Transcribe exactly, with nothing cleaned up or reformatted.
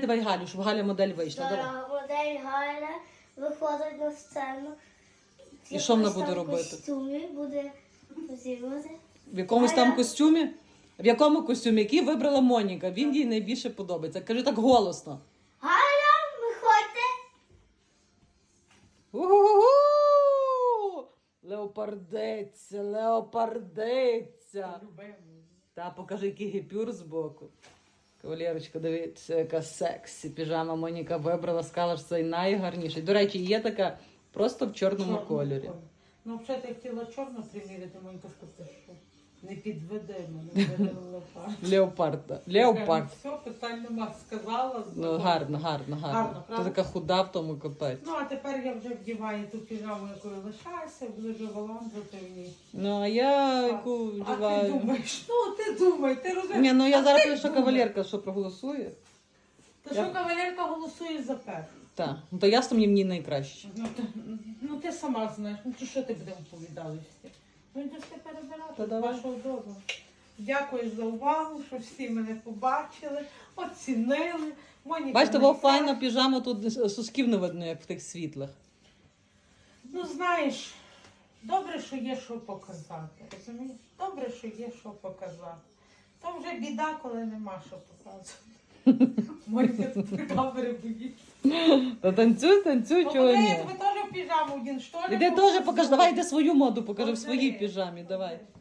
давай Галю, щоб Галя модель вийшла. Давай. Зараз модель Галя виходить на сцену. І що вона Якось буде там робити? В костюмі буде зіграти. В якомусь там Галя. костюмі? В якому костюмі? Який вибрала Моніка? Він їй найбільше подобається. Кажи так голосно. Галя, виходьте. У-ху-ху-ху! Леопардиця, леопардиця. Та, покажи, який гіпюр збоку. Кавалерочка, дивіться, яка сексі. Піжама Моніка вибрала, сказала, що це найгарніший. До речі, є така просто в чорному кольорі. Ну, взагалі, я хотіла чорно приміряти, Монька сказала, що не підведи мене, бери леопард. Леопарда. Леопард. Все, питань нема, сказала. Ну, гарно, гарно, гарно. Гарно, Ти правда? така худа в тому капець. Ну, а тепер я вже вдіваю ту піжаму, якою лишаюся, буду вже валандити в ній. Ну, а я яку А ти вдіваю. думаєш, ну ти думай, ти розумієш. Ні, ну я А зараз ти кажу, що думай. кавалерка, що проголосує. Та Я- що кавалерка голосує за першу? Так, ну то ясно, мені мені найкраще. Ну ти, ну, ти сама знаєш, ну то що ти будемо повідали всі? Ну йдеш ти Та перебирати, з давай. вашого дому. Дякую за увагу, що всі мене побачили, оцінили. Моніка Бачите, мене бо файна піжама, тут сосків не видно, як в тих світлах. Ну, знаєш, добре, що є що показати, розумієш? Добре, що є що показати. То вже біда, коли нема що показувати. Моніка тут камери боїться. Та танцюй, танцюй, чого Покажи, ні. я тебе теж в піжаму один, що ли? Іди теж покажи, давай йди свою моду, покажи в Покажи. своїй піжамі, давай.